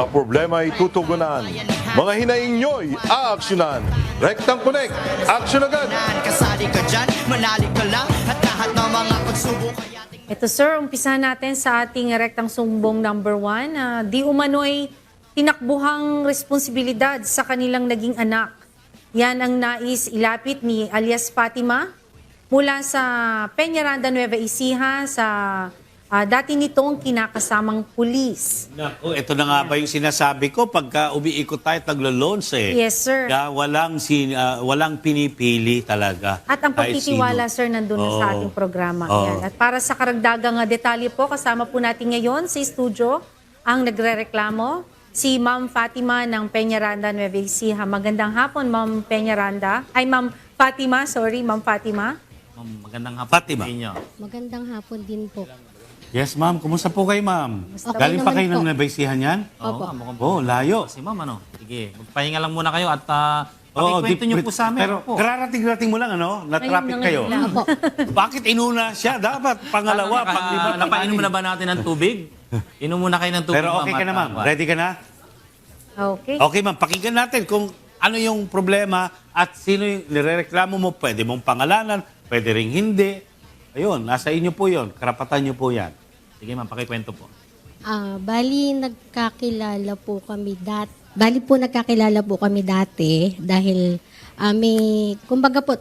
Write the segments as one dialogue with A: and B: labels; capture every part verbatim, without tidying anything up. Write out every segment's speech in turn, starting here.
A: Mga problema ay tutugunan. Mga hinaing nyo'y aaksyonan. Rectang Connect, action agad!
B: Kasali ka dyan, manali ka lang, at lahat ng mga pagsubok ay ating...
C: Ito sir, umpisa natin sa ating rektang sumbong number one. Uh, di umano'y tinakbuhang responsibilidad sa kanilang naging anak. Yan ang nais ilapit ni alias Fatima mula sa Peñaranda, Nueva Ecija sa uh, dati nitong kinakasamang pulis.
D: Naku, ito na nga ba yung sinasabi ko pagka umiikot tayo at naglo-loans eh.
C: Yes, sir.
D: Kaya walang, sin, ah, walang pinipili talaga.
C: At ang
D: kahit
C: pagtitiwala,
D: sino.
C: sir, nandun na sa
D: Oo.
C: ating programa.
D: Oo.
C: Yan. At para sa karagdagang uh, detalye po, kasama po natin ngayon sa studio ang nagrereklamo, si Ma'am Fatima ng Peñaranda, Nueva Ecija. Magandang hapon, Ma'am Peñaranda. Ay, Ma'am Fatima, sorry, Ma'am Fatima.
E: Ma'am, magandang hapon
D: Fatima.
E: sa inyo.
F: Magandang hapon din po.
D: Yes, ma'am. Kumusta po kayo, ma'am?
F: Okay
D: Galing pa
F: naman
D: kayo
F: po.
D: ng nabaysihan yan?
E: Oo,
F: Opo.
E: nga, mukhang
D: Oh, layo.
E: Si ma'am, ano? Sige, magpahinga lang muna kayo at uh,
D: Oo,
E: pakikwento
D: di-
E: niyo po sa amin.
D: Pero
E: Opo.
D: kararating-rating mo lang, ano? Na-traffic
C: Ngayon na
D: kayo.
C: ngayon lang.
F: Opo.
D: Bakit inuna siya? Dapat pangalawa,
E: Ano, naka-
D: panglima,
E: napainom
D: pang-anim.
E: na ba natin ng tubig? Inom muna kayo ng tubig,
D: Pero okay
E: ma'am,
D: ka na,
E: at,
D: ma'am.
E: uh,
D: Ready ka na?
C: Okay.
D: Okay, ma'am. Pakinggan natin kung ano yung problema at sino yung nirereklamo mo. Pwede mong pangalanan, pwede ring hindi. Ayun, nasa inyo po yun. Karapatan nyo po yan.
E: Sige ma'am, pakikwento po.
F: Ah, bali nagkakilala po kami dati. Bali po nagkakilala po kami dati dahil ah, may kumbaga po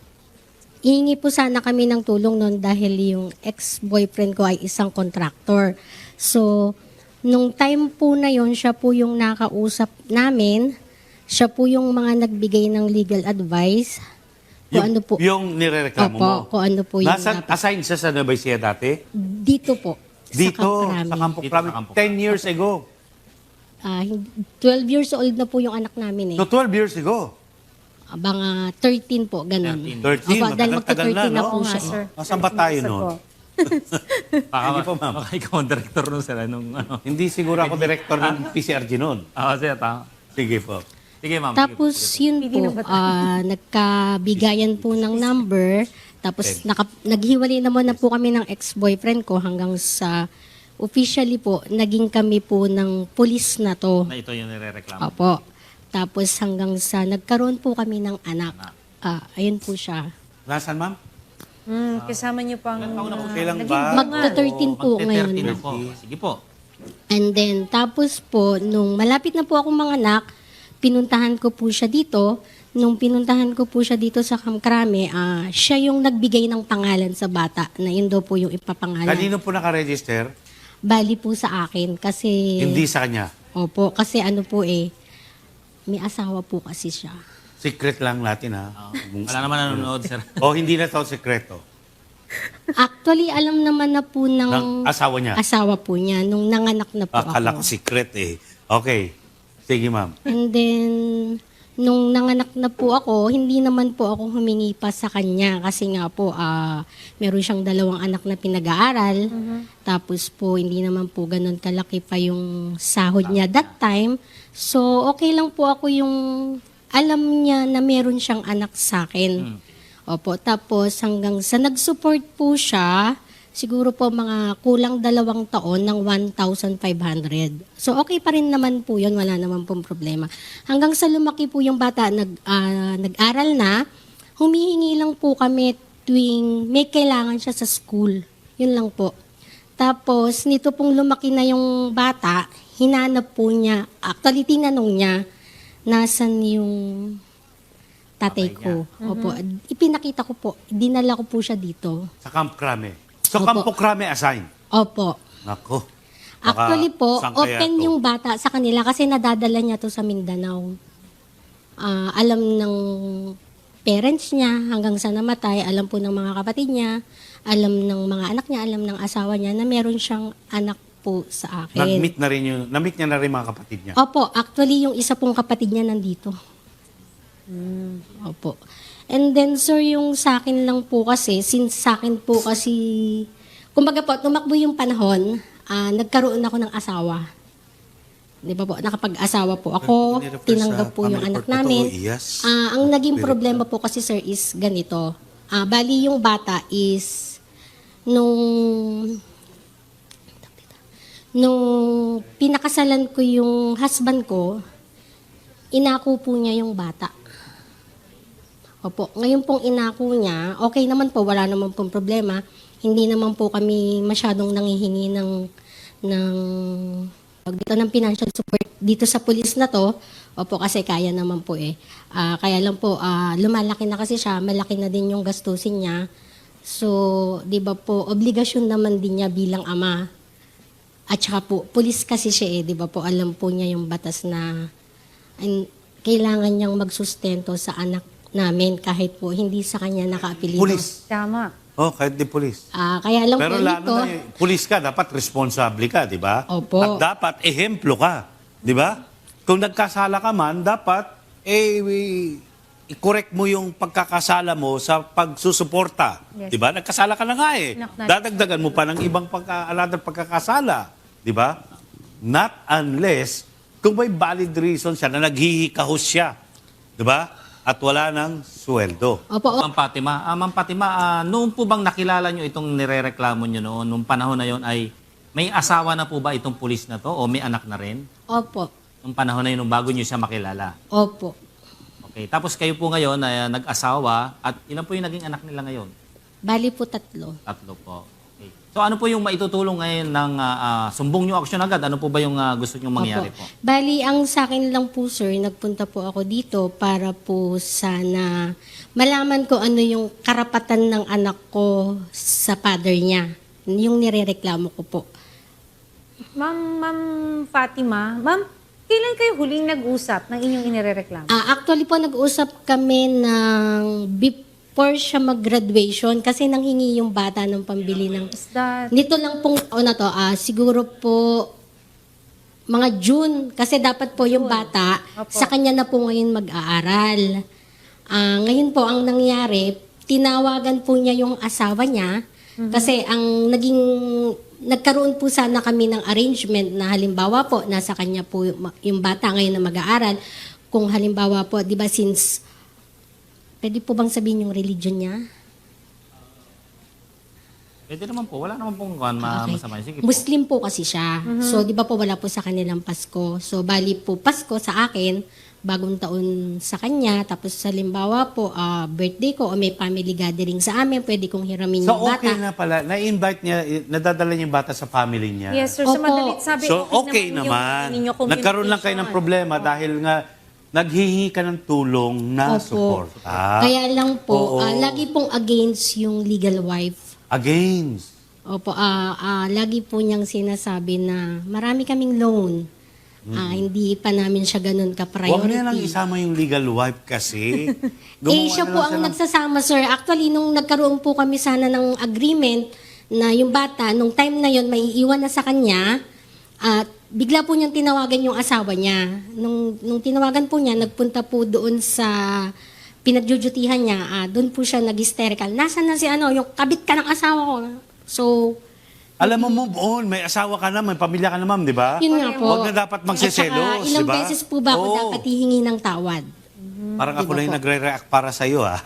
F: hihingi po sana kami ng tulong noon dahil yung ex-boyfriend ko ay isang contractor. So, nung time po na yon siya po yung nakausap namin. Siya po yung mga nagbigay ng legal advice. Kung ano po.
D: Yung nirereklamo
F: Opo,
D: mo.
F: kung ano po yung
D: Nasa,
F: dapat.
D: assigned siya sa Nueva Ecija dati?
F: Dito po.
D: Dito,
F: Camp
D: sa
F: Crame.
D: Campo
E: Dito
D: Crame.
E: sa Campo
D: ten years ago.
F: Ah, hindi- twelve years old na po yung anak namin eh.
D: No, twelve years ago.
F: Ah, Mga thirteen po, ganun.
D: thirteen,
F: Opo, dahil
D: matagal-tagal na,
F: magti-thirteen na
D: no?
F: po
C: Oo nga,
F: siya.
C: sir.
D: Nasaan ba tayo
C: Sige
D: nun?
C: po.
E: Baka,
D: Sige po, ma'am.
E: Baka ikaw ang director nun sila nung ano.
D: Hindi siguro ako director ng P C R G noon.
E: Ah, sige, tama.
D: Sige po.
E: Sige ma'am.
F: Tapos
E: sige po.
F: yun po, ah, nagkabigayan po ng number. Tapos naka, naghiwalay naman na po kami ng ex-boyfriend ko hanggang sa officially po, naging kami po ng pulis na to.
E: Na ito yung nirereklamo.
F: Opo. Tapos hanggang sa nagkaroon po kami ng anak. Ah, ayun po siya.
D: Nasaan, ma'am?
C: Hmm, kasama niyo pang...
D: Kailan
C: naging
D: ba?
C: bunga.
F: Magta-thirteen po
E: Magte-thirteen
F: ngayon.
E: na po. Sige po.
F: And then, tapos po, nung malapit na po akong manganak, pinuntahan ko po siya dito. Nung pinuntahan ko po siya dito sa Camp Crame, ah, siya yung nagbigay ng pangalan sa bata na yun daw po yung ipapangalan.
D: Kanino po nakaregister?
F: Bali po sa akin kasi...
D: Hindi sa kanya.
F: Opo, kasi ano po eh, may asawa po kasi siya.
D: Secret lang natin, ha? Kung-
E: Wala naman nanonood, sir.
D: O hindi na to sekreto.
F: Actually, alam naman na po ng,
D: Ng asawa niya.
F: asawa po niya nung nanganak na po
D: Akala ko
F: ako.
D: secret eh. Okay. Sige, ma'am.
F: And then, nung nanganak na po ako, hindi naman po ako humingi pa sa kanya kasi nga po, ah meron siyang dalawang anak na pinag-aaral. Tapos po, hindi naman po ganun kalaki pa yung sahod niya that time. So, okay lang po ako yung alam niya na meron siyang anak sa akin. Opo, tapos hanggang sa nag-support po siya, siguro po mga kulang dalawang taon ng one thousand five hundred. So okay pa rin naman po yun, wala naman pong problema. Hanggang sa lumaki po yung bata, nag, ah, nag-aral na, humihingi lang po kami tuwing may kailangan siya sa school. Yun lang po. Tapos nito pong lumaki na yung bata, hinanap po niya, actually tinanong niya, nasan yung tatay ko. Opo, ipinakita ko po, dinala ko po siya dito.
D: Sa Camp Crame. So,
F: Opo.
D: Campo Crame assign.
F: Opo.
D: Nako. Baka
F: Actually po,
D: saan kaya
F: open
D: to?
F: yung bata sa kanila kasi nadadala niya to sa Mindanao. Ah, alam ng parents niya hanggang sa namatay, alam po ng mga kapatid niya, alam ng mga anak niya, alam ng asawa niya na meron siyang anak po sa akin.
D: Nag-meet na rin yung, na-meet niya na rin mga kapatid niya.
F: Opo, actually yung isa pong kapatid niya nandito. Opo. And then sir, yung sa akin lang po kasi, since sa akin po kasi, kumbaga po, tumakbo yung panahon, ah, nagkaroon ako ng asawa. Di ba po, nakapag-asawa po ako,
D: Nirefer sa
F: tinanggap po yung
D: family
F: anak
D: court na to,
F: namin.
D: yes.
F: Ah, ang naging problema po kasi sir is ganito. Ah, bali yung bata is, nung Nung pinakasalan ko yung husband ko, inako po niya yung bata. Opo, ngayon pong inako niya, okay naman po, wala naman pong problema. Hindi naman po kami masyadong nangihingi ng, ng pag dito ng financial support dito sa pulis na to. Opo, kasi kaya naman po eh. Ah, kaya lang po, ah, lumalaki na kasi siya, malaki na din yung gastusin niya. So, di ba po, obligasyon naman din niya bilang ama. At saka po, pulis kasi siya eh, di ba po, alam po niya yung batas na an, kailangan niyang magsustento sa anak namin kahit po hindi sa kanya nakaapelido.
D: Pulis.
C: Tama.
D: Oh, kahit di pulis.
F: Ah, kaya lang
D: Pero
F: po
D: lalo
F: nito,
D: na eh, pulis ka, dapat responsable ka, di ba?
F: Opo.
D: At dapat ehemplo ka, di ba? Kung nagkasala ka man, dapat eh, i- i-correct mo yung pagkakasala mo sa pagsusuporta.
C: Yes.
D: Di ba? Nagkasala ka na nga eh.
C: Nak- nak-
D: Dadagdagan mo pa ng ibang pagkaalala pagkakasala. Di ba? Not unless kung may valid reason siya na naghihikahos siya. Di ba? At wala ng sweldo.
F: opo, o-
E: Ma'am Fatima, ah, Ma'am Fatima, ah, noon po bang nakilala nyo itong nirereklamo nyo noon, nung panahon na yon ay may asawa na po ba itong pulis na to o may anak na rin?
F: opo,
E: Nung panahon na yun, nung bago nyo siya makilala.
F: opo.
E: Okay. Tapos kayo po ngayon ay nag-asawa at ilan po yung naging anak nila ngayon?
F: Bali po tatlo.
E: Tatlo po. Okay. So ano po yung maitutulong ngayon ng ah, ah, sumbong nyo aksyon agad? Ano po ba yung ah, gusto nyo mangyari
F: Opo.
E: po?
F: Bali, ang sa akin lang po, sir, nagpunta po ako dito para po sana malaman ko ano yung karapatan ng anak ko sa father niya. Yung nirereklamo ko po.
C: Ma'am, Ma'am Fatima, Ma'am, kailan kayo huling nag-usap ng inyong inirereklamo?
F: Ah, actually po, nag-usap kami ng before siya mag-graduation kasi nanghingi yung bata ng pambili ng...
C: Is that...
F: Nito lang pong taon na to, ah, siguro po mga June, kasi dapat po yung bata,
C: Opo.
F: sa kanya na po ngayon mag-aaral. Ah, ngayon po, ang nangyari, tinawagan po niya yung asawa niya, kasi ang naging, nagkaroon po sana kami ng arrangement na halimbawa po, nasa kanya po yung, yung bata ngayon na mag-aaral, kung halimbawa po, di ba since, pwede po bang sabihin yung religion niya?
E: Pwede naman po. Wala naman pong kuwan, ma-
F: Okay.
E: masama. Sige po.
F: Muslim po kasi siya. So, di ba po wala po sa kanilang Pasko. So, bali po Pasko sa akin, bagong taon sa kanya. Tapos, halimbawa po, ah, birthday ko o may family gathering sa amin, pwede kong hiramin
D: So
F: yung bata.
D: okay na pala, na-invite niya, eh, nadadala niya yung bata sa family niya.
C: Yes, sir. Sa
F: Opo.
C: madalit sabi,
D: So okay
C: yung
D: naman.
C: ninyo
D: Nagkaroon lang kayo ng
C: communication.
D: problema dahil nga naghihingi ka ng tulong na
F: Opo.
D: suporta.
F: Kaya lang po,
D: Oo.
F: ah, lagi pong against yung legal wife.
D: Against.
F: Opo, ah, ah, lagi po niyang sinasabi na marami kaming loan. Ah, hindi pa namin siya ganun ka-priority.
D: Huwag niya lang isama yung legal wife kasi.
F: Eh, siya po ang nagsasama, sir. Actually, nung nagkaroon po kami sana ng agreement na yung bata, nung time na yon may iiwan na sa kanya, at bigla po niyang tinawagan yung asawa niya. Nung, nung tinawagan po niya, nagpunta po doon sa pinagjujutihan niya. Ah, doon po siya nag-hysterical. Nasaan na si ano, yung kabit ka ng asawa ko. So,
D: Alam mo, move on. May asawa ka na, may pamilya ka na, ma'am, di ba?
F: yun nga po.
D: Huwag na dapat
F: At
D: magsiselos,
F: saka, ilang
D: di ba?
F: beses po ba ako
D: Oo.
F: dapat hihingi ng tawad?
D: Parang ako
F: Di ba
D: na yung
F: po?
D: nagre-react para sa'yo, ha?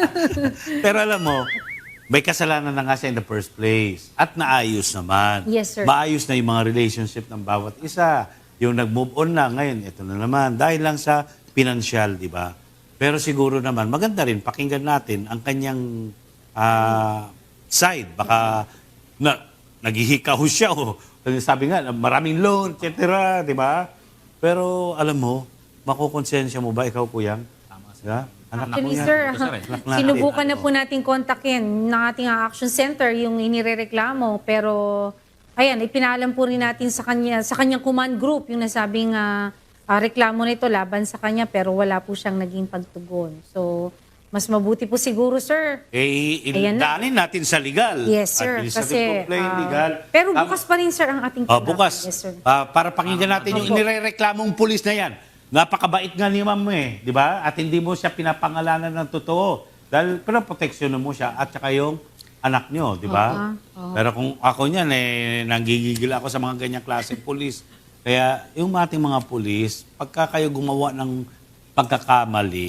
D: Pero alam mo, may kasalanan na nga siya in the first place. At naayos naman.
C: Yes, sir.
D: Maayos na yung mga relationship ng bawat isa. Yung nag-move on na, ngayon, ito na naman. Dahil lang sa financial, di ba? Pero siguro naman, maganda rin, pakinggan natin ang kanyang ah, side. Baka na, naghihikaho siya. O, sabi nga, maraming loan, et cetera. Di ba? Pero alam mo, makukonsensya mo ba ikaw, kuyang?
E: Tama, sir.
D: Diba? Anak ako
C: Actually,
D: yan.
C: sir,
E: Ito, sir, eh.
D: Anak natin.
C: sinubukan na po natin kontakin ng ating action center yung inirereklamo. Pero, ayan, ipinalam po rin natin sa kanya, sa kanyang command group, yung nasabing ah, ah, reklamo nito laban sa kanya, pero wala po siyang naging pagtugon. So, mas mabuti po siguro, sir.
D: Eh,
C: Ayan na.
D: indaanin natin sa legal.
C: Yes, sir.
D: Administrative
C: Kasi,
D: complaint,
C: ah,
D: legal.
C: pero
D: Tama.
C: bukas pa rin, sir, ang ating
D: Oh,
C: tinapan.
D: bukas.
C: Yes, sir.
D: Ah, para pakinggan natin yung
C: Opo.
D: inireklamong pulis na yan. Napakabait nga ni ma'am eh, di ba? At hindi mo siya pinapangalanan ng totoo. Dahil, pero proteksyonan mo siya at saka yung anak nyo, di ba?
F: Oo.
D: Pero kung ako niyan, eh, nanggigigil ako sa mga ganyang klaseng pulis. Kaya yung ating mga pulis, pagka kayo gumawa ng pagkakamali,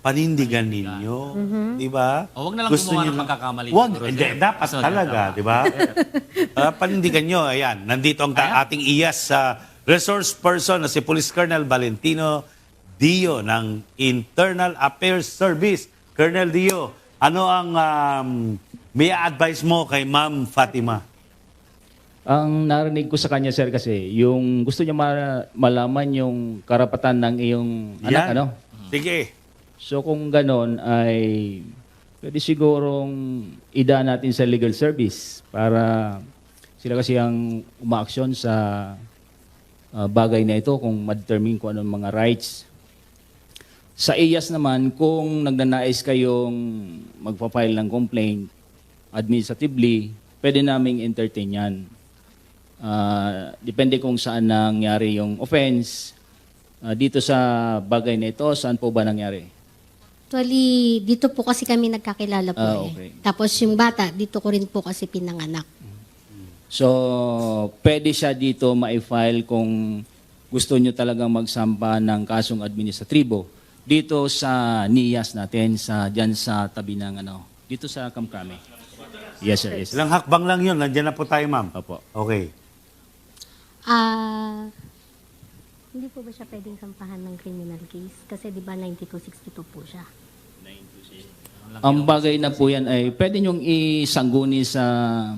D: panindigan ninyo. Di ba?
E: O, wag na lang gumawa ng
D: nyo-
E: pagkakamali
D: Wag,
E: siguro,
D: hindi,
E: sir.
D: dapat
E: So,
D: talaga,
E: tama.
D: di ba? Ah, panindigan nyo, ayan, nandito ang ta- ating iyas sa resource person na si Police Colonel Valentino Dio ng Internal Affairs Service. Colonel Dio, ano ang um, may advice mo kay Ma'am Fatima?
G: Ang narinig ko sa kanya, sir, kasi yung gusto niya ma- malaman yung karapatan ng iyong anak,
D: Yan.
G: ano?
D: Sige.
G: So kung ganon ay pwede sigurong idaan natin sa legal service para sila kasi ang umaaksyon sa ah, bagay na ito kung ma-determine kung anong mga rights. Sa I A S naman, kung nagnanais kayong magpa-file ng complaint administratively, pwede naming entertain yan. Ah, depende kung saan nangyari yung offense. Ah, dito sa bagay na ito, saan po ba nangyari?
F: Actually, dito po kasi kami nagkakilala po
G: Ah,
F: eh.
G: okay.
F: Tapos yung bata, dito ko rin po kasi pinanganak.
G: So, pwede siya dito ma-file kung gusto nyo talagang magsampa ng kasong administratibo dito sa N I A S natin, sa, dyan sa tabi ng ano, dito sa Kamkrame. Yes, sir. Yes, sir.
D: Ilang hakbang lang yun. Nandiyan na po tayo, ma'am.
G: Opo.
D: Okay.
F: Ah, hindi po ba siya pwedeng sampahan ng criminal case? Kasi di ba ninety-two sixty-two po siya.
G: Ang bagay na po yan ay pwede nyong isangguni sa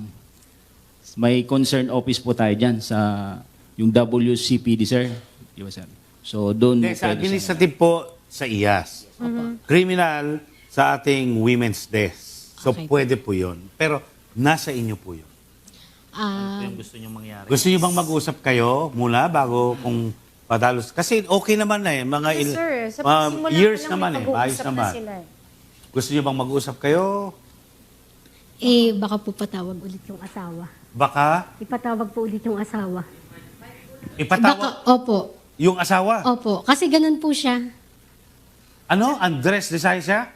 G: may concern office po tayo dyan sa yung W C P D, sir. Di ba, sir? So, doon
D: Hindi, sa
G: pwede siya.
D: administrative po sa I A S. Criminal sa ating Women's Desk. So,
F: Okay.
D: pwede po yun. Pero, nasa inyo po yun.
F: Ah,
E: Ito yung gusto nyo mangyari.
D: Gusto niyo bang mag-usap kayo muna bago kung padalos? Kasi okay naman na eh. Mga
C: Yes,
D: il-
C: sir. Sa
D: mga
C: pagsimula
D: years
C: pa lang,
D: naman
C: may
D: eh.
C: pag-uusap
D: Ayos
C: na
D: naman.
C: sila eh.
D: Gusto niyo bang mag-usap kayo?
F: eh, baka po patawag ulit yung asawa.
D: Baka
F: Ipatawag po ulit yung asawa.
D: ipatawag
F: Baka, opo.
D: yung asawa.
F: Opo. Kasi ganun po siya.
D: Ano? Andres de Saisa?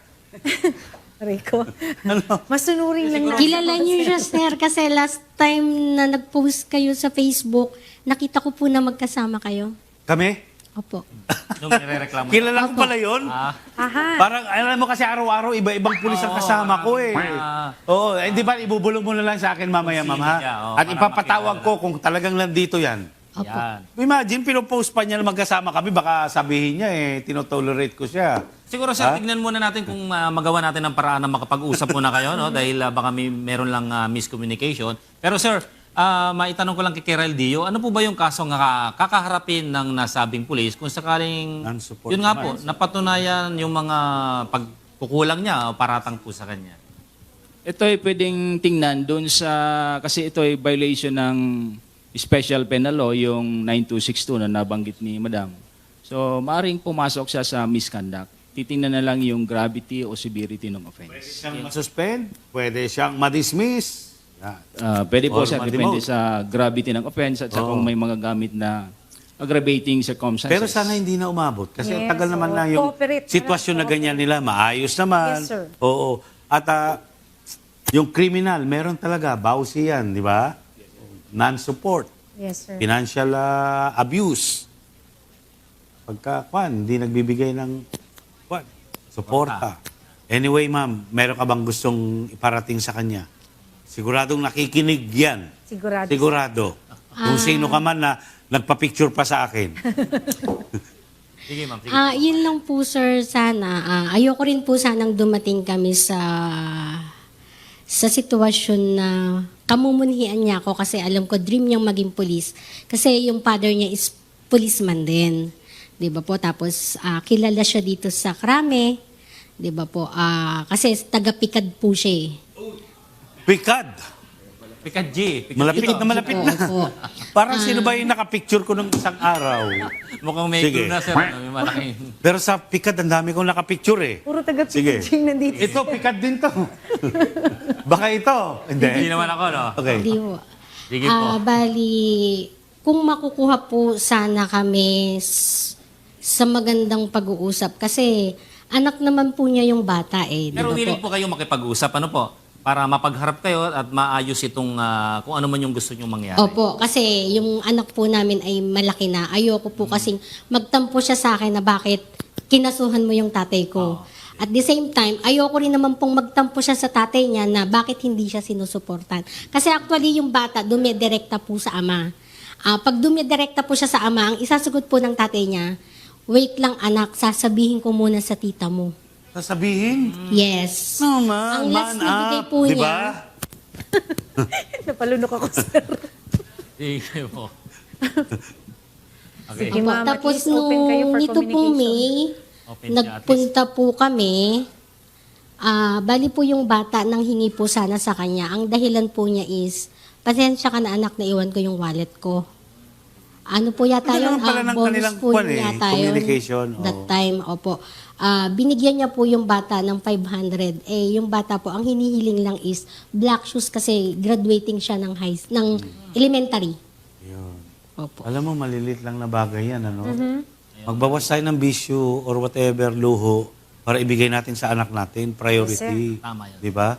C: Rico.
D: Ano?
C: Masunuring lang natin.
F: Kilala niyo siya, sir, kasi last time na nag-post kayo sa Facebook, nakita ko po na magkasama kayo.
D: Kami?
F: Opo.
E: Nung nirereklamo.
D: Kilala ko pala yun.
E: Ah,
C: Aha.
D: Parang, alam mo kasi araw-araw, iba-ibang pulis ang
E: Oo,
D: kasama ko eh.
E: ah.
D: Oo, eh, di ba, ibubulong mo na lang sa akin mamaya,
E: Kung
D: ma'am,
E: sino
D: ha?
E: siya, oo,
D: At
E: para
D: ipapatawag
E: makilala.
D: ko kung talagang nandito yan.
F: Opo.
E: yan.
D: Imagine, pinopost pa niya na magkasama kami, baka sabihin niya eh, tinotolerate ko siya.
E: Siguro sir,
D: Ha?
E: tignan muna natin kung ah, magawa natin ng paraan na makapag-usap muna kayo, no? Dahil ah, baka may meron lang ah, miscommunication. Pero sir, ah, maitanong ko lang kay Kerel Dio, ano po ba yung kaso nga kakaharapin ng nasabing pulis kung sakaling,
D: Non-support
E: yun nga
D: naman.
E: po, napatunayan yung mga pagkukulang niya o paratang po sa kanya?
G: Ito ay pwedeng tingnan doon sa, kasi ito ay violation ng special penal law, yung nine two six two na nabanggit ni Madam. So, maaaring pumasok siya sa misconduct. Titingnan na lang yung gravity o severity ng
D: Pwede
G: offense.
D: siyang masuspend, pwede siyang madismiss. Yan.
G: Ah, pwede po
D: Or
G: siya,
D: ma-demote.
G: depende sa gravity ng offense at sa
D: Oo.
G: kung may mga gamit na aggravating circumstances.
D: Pero sana hindi na umabot. Kasi ang
C: Yes,
D: tagal naman
C: oo.
D: na yung
C: Cooperate.
D: sitwasyon na ganyan nila. Maayos naman.
C: Yes, sir.
D: Oo. At ah, yung criminal, meron talaga. Bawsi yan, di ba? Non-support.
C: Yes, sir.
D: Financial ah, abuse. Pagka, kwan, hindi nagbibigay ng, kwan, suporta. Anyway, ma'am, meron ka bang gustong iparating sa kanya? Siguradong nakikinig yan.
C: Sigurado.
D: Sigurado. Kung sino ka man na nagpa-picture pa sa akin.
E: Sige ma'am, sige.
F: Ah, yun lang po, sir, sana. Ah, ayoko rin po sanang dumating kami sa sa sitwasyon na kamumunhian niya ako kasi alam ko dream niyang maging police. Kasi yung father niya is policeman din. 'Di ba po? Tapos ah, kilala siya dito sa Krame. 'Di ba po? Ah, kasi taga-Pikad po siya eh.
D: Pikad.
E: Pikad G. Pikad
D: Malapit
E: G.
D: na malapit
F: Opo,
D: na.
F: opo.
D: Parang sino ba yung nakapicture ko nung isang araw?
E: Mukhang may
D: Sige.
E: clue na sir. Ano, may malaking...
D: Pero sa Pikad, ang dami kong nakapicture eh.
C: Puro taga
D: Sige.
C: Pidging nandito.
D: Ito, Pikad din to. Baka ito.
E: Hindi
D: Hindi.
E: naman ako, no?
D: Okay.
F: Hindi po.
E: Sige po.
F: Ah, bali, kung makukuha po sana kami s- sa magandang pag-uusap kasi anak naman po niya yung bata eh. di
E: Pero
F: ba
E: willing
F: po?
E: po kayo makipag-usap, ano po? Para mapagharap kayo at maayos itong ah, kung ano man yung gusto nyo mangyari.
F: Opo, kasi yung anak po namin ay malaki na. Ayoko po kasing magtampo siya sa akin na bakit kinasuhan mo yung tatay ko. At the same time, ayoko rin naman pong magtampo siya sa tatay niya na bakit hindi siya sinusuportan. Kasi actually yung bata, dumidirekta po sa ama. Ah, pag dumidirekta po siya sa ama, ang isasagot po ng tatay niya, wait lang anak, sasabihin ko muna sa tita mo.
D: Sasabihin?
F: Yes.
D: Naman,
F: Ang last
D: man
F: na bigay
D: up,
F: po
D: di
F: niya,
D: ba?
C: Napalunok ako, sir.
E: Sige po. Okay.
C: Sige,
F: Opo,
C: ma'am, at
F: tapos
C: least open kayo
F: nung
C: for
F: nito pong
C: communication.
F: May,
E: Open siya,
F: nagpunta po kami, ah bali po yung bata nang hingi po sana sa kanya. Ang dahilan po niya is, pasensya ka na anak, na iwan ko yung wallet ko. Ano po yata
D: Ano
F: yun?
D: naman pala
F: Ah,
D: ng
F: bonus
D: kanilang
F: po
D: kwan
F: yun
D: eh,
F: yata yun.
D: communication,
F: That
D: oo.
F: time, opo. Ah, binigyan niya po yung bata ng five hundred. Eh, yung bata po, ang hinihiling lang is black shoes kasi graduating siya ng high, ng elementary.
D: Yun.
F: Opo.
D: Alam mo, malilit lang na bagay yan, ano?
C: Mm-hmm.
D: Magbawas tayo ng bisyo or whatever, luho, para ibigay natin sa anak natin, priority.
E: Tama yan.
D: Di ba?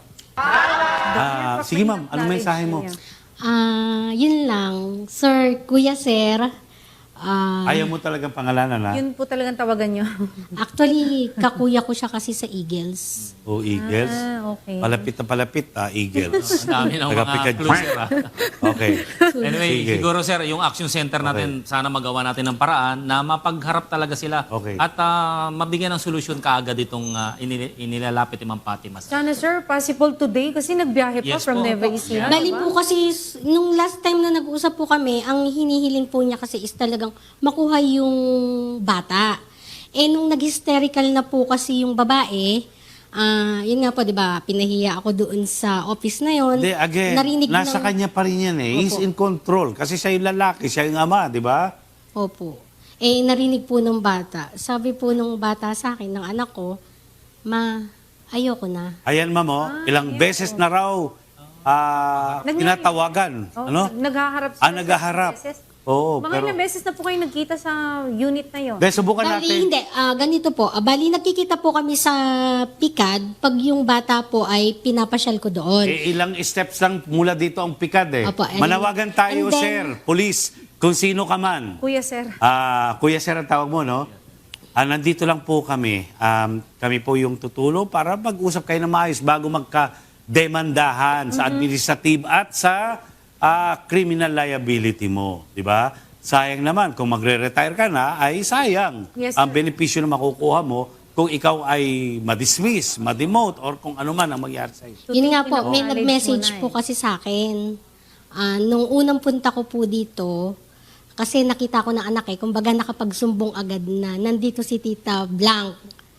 D: Ah, sige ma'am, anong mensahe mo?
F: Ah, yun lang. Sir, Kuya Sir, ah,
D: Ayaw mo talagang pangalanan, ha?
C: Yun po talagang tawagan nyo.
F: actually, kakuya ko siya kasi sa Eagles.
D: O Eagles.
C: Ah, okay.
D: Palapit na palapit, ah, Eagles.
E: Ang dami ng mga
D: Taga-Picad.
E: clues, sir. ah.
D: Okay.
E: Anyway,
D: Sige.
E: siguro sir, yung action center natin, sana magawa natin ng paraan na mapagharap talaga sila
D: Okay.
E: at ah, mabigyan ng solusyon kaagad itong ah, inil- inilalapit ni Ma'am Fatima.
C: Sana sir, possible today kasi nagbiyahe pa
E: Yes
C: from
E: po.
C: Nueva Ecija.
F: Bali po kasi, s- nung last time na nag-usap po kami, ang hinihiling po niya kasi is talagang makuha yung bata. Eh, nung nag-hysterical na po kasi yung babae, ah yun nga po, di ba, pinahiya ako doon sa office na yon.
D: Hindi, again,
F: Narinig
D: nasa
F: ng-
D: kanya pa rin yan eh. He's
F: Opo.
D: in control. Kasi siya yung lalaki, siya yung ama, di ba?
F: Opo. Eh, narinig po ng bata. Sabi po nung bata sa akin, ng anak ko, ma, ayoko na.
D: Ayan, ma'am, oh, ilang beses na raw ah,
C: Nag-
D: tinatawagan.
C: Oh,
D: ano?
C: Naghaharap
D: Ah,
C: sila sa
D: naghaharap.
C: beses.
D: Oo,
C: Mga
D: pero...
C: ilang beses na po kayo nagkita sa unit na yon.
D: Dahil subukan
F: Bali,
D: natin.
F: hindi. Ah, ganito po. Ah, bali, nagkikita po kami sa Pikad pag yung bata po ay pinapasyal ko doon.
D: Eh, ilang steps lang mula dito ang pikad eh.
F: Opo, and-
D: Manawagan tayo,
F: and then-
D: sir, police, kung sino ka man.
C: Kuya sir.
D: Ah, Kuya Sir ang tawag mo, no? Ah, nandito lang po kami. Um, kami po yung tutulo para mag-usap kayo na maayos bago magka-demandahan sa administrative at sa ah, criminal liability mo. Di ba? Sayang naman, kung magre-retire ka na, ay sayang.
C: Yes,
D: ang
C: sir.
D: benepisyo na makukuha mo kung ikaw ay ma-dismiss, ma-demote, or kung ano man ang mangyari sa'yo.
C: To
F: Yun
C: take
F: nga po,
C: in
F: may
C: acknowledge
F: nag-message
C: muna
F: po
C: eh.
F: kasi sa akin. Ah, nung unang punta ko po dito, kasi nakita ko ng anak eh, kumbaga nakapagsumbong agad na, nandito si Tita Blank.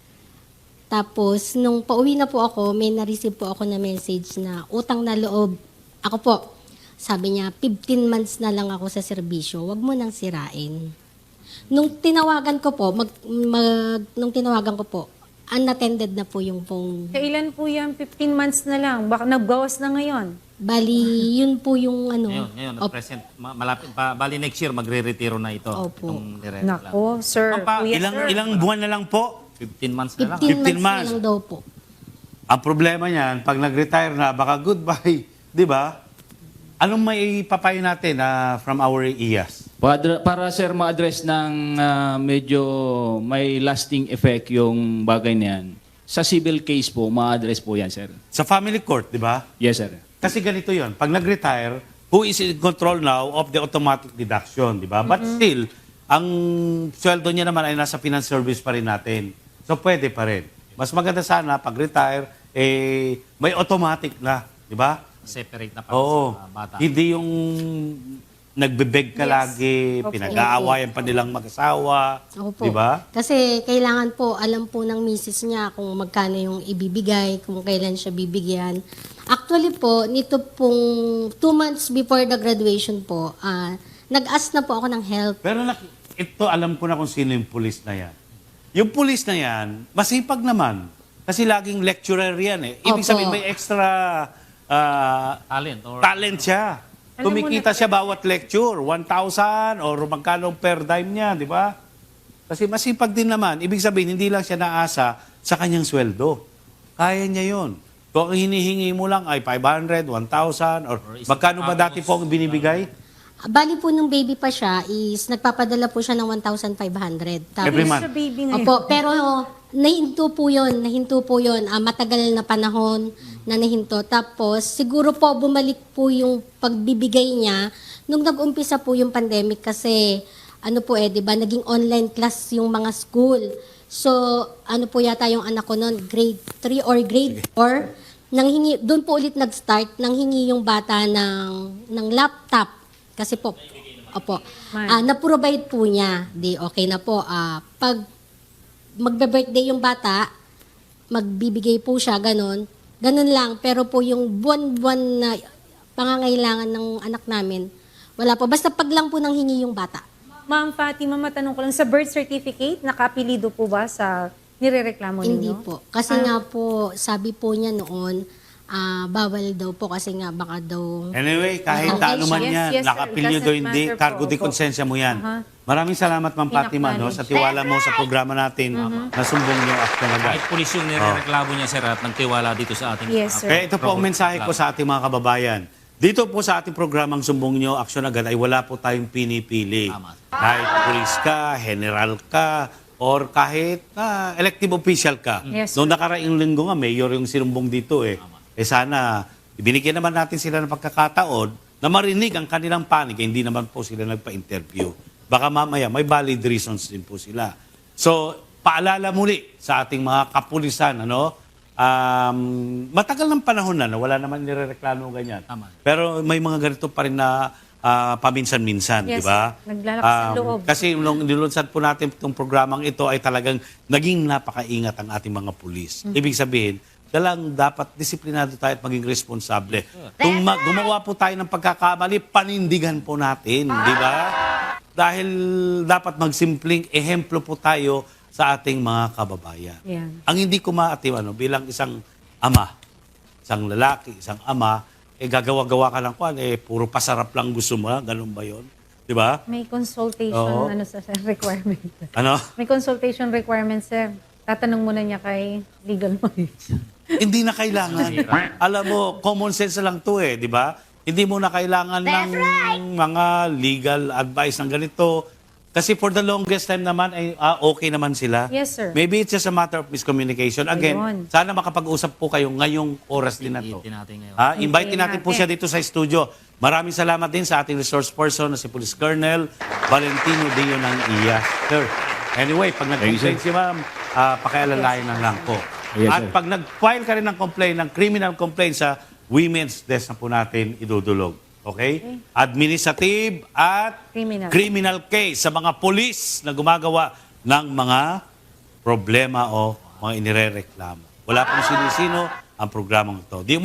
F: Tapos, nung pauwi na po ako, may na-receive po ako na message na utang na loob. Ako po, sabi niya, fifteen months na lang ako sa serbisyo, wag mo nang sirain. Nung tinawagan ko po, mag, mag, nung tinawagan ko po, unattended na po yung phone.
C: Kailan po yan? fifteen months na lang. Baka nagbawas na ngayon.
F: Bali, yun po yung ano.
E: Ngayon, ngayon,
F: op-
E: present, ma- malapit pa, bali next year, magre-retiro na ito.
F: Opo.
E: Itong nire-retiro lang.
C: Nako, sir.
E: Ma'am Pa,
C: Kuya
D: Ilang,
C: sir.
D: ilang buwan na lang po.
E: fifteen months na lang.
F: fifteen,
D: fifteen
F: months,
D: months.
F: na lang daw po.
D: Ang problema niyan, pag nag-retire na, baka goodbye. Di ba? Anong may papayo natin ah, from our I A S?
G: Para, para sir ma-address ng ah, medyo may lasting effect yung bagay na yan, sa civil case po, ma-address po yan, sir.
D: Sa family court, di ba?
G: Yes, sir.
D: Kasi ganito yon. Pag nag-retire, who is in control now of the automatic deduction, di ba? But still, ang sweldo niya naman ay nasa finance service pa rin natin. So, pwede pa rin. Mas maganda sana, pag-retire, eh, may automatic na, di ba?
E: Separate na para
D: Oo.
E: sa bata.
D: Hindi yung nagbebeg ka
C: Yes.
D: lagi,
C: Opo.
D: pinag-aawayan pa nilang mag-asawa,
F: Opo.
D: di ba?
F: Kasi kailangan po, alam po ng misis niya kung magkano yung ibibigay, kung kailan siya bibigyan. Actually po, nito pong two months before the graduation po, ah, nag-ask na po ako ng help.
D: Pero nak- ito, alam ko na kung sino yung pulis na yan. Yung pulis na yan, masipag naman. Kasi laging lecturer yan eh. Ibig
F: Opo.
D: sabihin, may extra ah,
E: Talent or
D: talent siya.
C: Alam mo
D: Kumikita
C: na-
D: siya bawat lecture, one thousand or magkano per dime niya, di ba? Kasi masipag din naman. Ibig sabihin, hindi lang siya naasa sa kanyang sweldo. Kaya niya yon. Kung ang hinihingi mo lang ay five hundred, one thousand, or
E: Or isang
D: magkano ba dati
E: tapos,
D: po ang binibigay?
F: Bali po nung baby pa siya is nagpapadala po siya ng one thousand five hundred. Tapos,
D: Every month.
C: Sa baby ngayon.
F: Opo, pero nahinto po yun, nahinto po yun. Ah, matagal na panahon na nahinto. Tapos, siguro po bumalik po yung pagbibigay niya nung nag-umpisa po yung pandemic kasi ano po eh, di ba, naging online class yung mga school. So, ano po yata yung anak ko noon, grade three or grade four, nanghingi, doon po ulit nag-start, nanghingi yung bata ng, ng laptop. Kasi po, opo,
C: Man.
F: ah, na-provide po niya. Di okay na po. Ah, pag magbe-birthday yung bata, magbibigay po siya, ganun. Ganun lang. Pero po yung buwan-buwan na pangangailangan ng anak namin, wala po. Basta pag lang po nang hingi yung bata.
C: Ma'am Fatima, matanong ko lang, sa birth certificate, nakapilido po ba sa nirereklamo ninyo?
F: Hindi po. Kasi nga po, sabi po niya noon, ah, bawal daw po kasi nga baka daw...
D: Anyway, kahit
F: Okay,
D: ano man
C: yes,
D: yan,
C: yes, sir.
D: nakapilyo
C: Doesn't
D: do hindi,
C: matter po.
D: cargo di
C: Opo.
D: konsensya mo yan.
C: Aha.
D: Maraming salamat, Ma'am Fatima, no,
C: Pinacknowledge.
D: sa tiwala mo sa programa natin na sumbong yung action agad.
E: Kahit pulis yung nirereklamo niya, sir, at nagtiwala dito sa ating...
C: Yes, sir.
D: Kaya ito po ang mensahe ko sa ating mga kababayan. Dito po sa ating programang Sumbong Nyo, Aksyon Agad ay wala po tayong pinipili.
E: Tama.
D: Kahit pulis ka, general ka, or kahit ah, elective official ka.
C: Yes, sir.
D: Noong nakaraang linggo nga, mayor yung sinumbong dito eh. Eh sana, ibinigyan naman natin sila ng pagkakataon na marinig ang kanilang panig. Eh, hindi naman po sila nagpa-interview. Baka mamaya, may valid reasons din po sila. So, paalala muli sa ating mga kapulisan, ano? Um, matagal ng panahon na, no? Wala naman nirereklamo ganyan.
E: Tama.
D: Pero may mga ganito pa rin na ah, paminsan-minsan,
C: Yes,
D: di ba?
C: naglalakas sa
D: Um,
C: loob.
D: Kasi nung nilunsad po natin itong programang ito ay talagang naging napakaingat ang ating mga pulis.
C: Mm.
D: Ibig sabihin, dalang dapat disiplinado tayo at maging responsable. Kung ma- gumawa po tayo ng pagkakamali, panindigan po natin, di ba? Dahil dapat magsimpleng ehemplo po tayo sa ating mga kababayan.
C: Yan.
D: Ang hindi ko maatiw, ano, bilang isang ama, isang lalaki, isang ama, eh gagawa-gawa ka lang kwan, eh puro pasarap lang gusto mo, ganun ba yun? Di ba?
C: May consultation
D: Oo.
C: ano sa sa requirement.
D: Ano?
C: May consultation requirement, sir. Tatanong muna niya kay legal mo.
D: Hindi na kailangan. Alam mo, common sense lang to eh, di ba? Hindi mo na kailangan ng mga legal advice ng ganito. Kasi for the longest time naman, ay ah, okay naman sila.
C: Yes, sir.
D: Maybe it's just a matter of miscommunication. Again,
C: Ayun.
D: sana makapag-usap po kayo ngayong oras din na to.
E: Itin natin ngayon.
D: Ha, invite
C: Hintayin
D: natin po
C: natin.
D: siya dito sa studio. Maraming salamat din sa ating resource person na si Police Colonel Valentino Deo ng I A. Sir, anyway, pag nag-complain si ma'am, uh, pakialalayan na lang po.
G: Yes,
D: At
G: sir.
D: pag nag-file ka rin ng complaint, ng criminal complaint sa women's desk na po natin idudulog. Okay? Administrative at
C: Criminal.
D: criminal case sa mga polis na gumagawa ng mga problema o mga inirereklamo. Wala pong sino-sino ang programang ito. Di